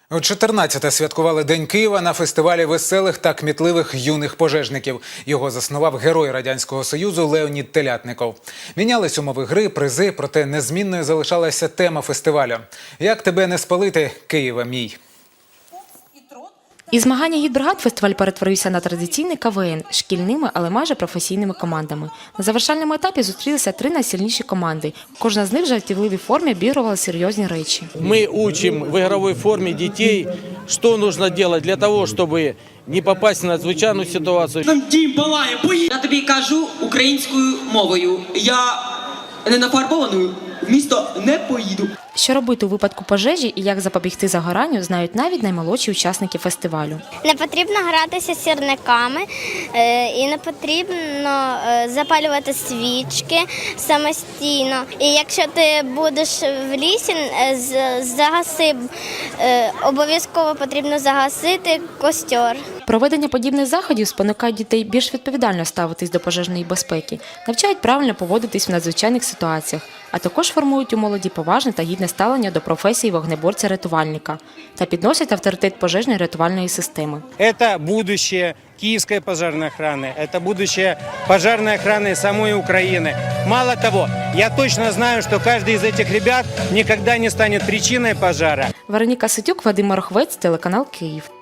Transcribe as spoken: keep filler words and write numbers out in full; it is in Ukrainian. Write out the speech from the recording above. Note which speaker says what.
Speaker 1: У чотирнадцяте святкували День Києва на фестивалі веселих та кмітливих юних пожежників. Його заснував герой Радянського Союзу Леонід Телятников. Мінялись умови гри, призи, проте незмінною залишалася тема фестивалю. «Як тебе не спалити, Києва мій».
Speaker 2: Із змагання гідбригад фестиваль перетворився на традиційний ка ве ен – шкільними, але майже професійними командами. На завершальному етапі зустрілися три найсильніші команди. Кожна з них в жартівливій формі обігрувала серйозні речі.
Speaker 3: Ми учимо в ігровій формі дітей, що потрібно робити для того, щоб не попасть в надзвичайну ситуацію.
Speaker 4: Я тобі кажу українською мовою. Я не нафарбованою в місто не поїду.
Speaker 2: Що робити у випадку пожежі і як запобігти загоранню, знають навіть наймолодші учасники фестивалю.
Speaker 5: Не потрібно гратися сірниками і не потрібно запалювати свічки самостійно. І якщо ти будеш в лісі, загаси, обов'язково потрібно загасити костер.
Speaker 2: Проведення подібних заходів спонукають дітей більш відповідально ставитись до пожежної безпеки, навчають правильно поводитись в надзвичайних ситуаціях, а також формують у молоді поважне та гідне ставлення до професії вогнеборця-рятувальника та підносять авторитет пожежної рятувальної системи.
Speaker 6: Це будущее Киевской пожарной охраны, это будущее пожарной охраны самой Украины. Мало того, я точно знаю, что каждый из этих ребят никогда не станет причиной пожара.
Speaker 2: Вероніка Ситюк, Вадим Марохвець, телеканал Київ.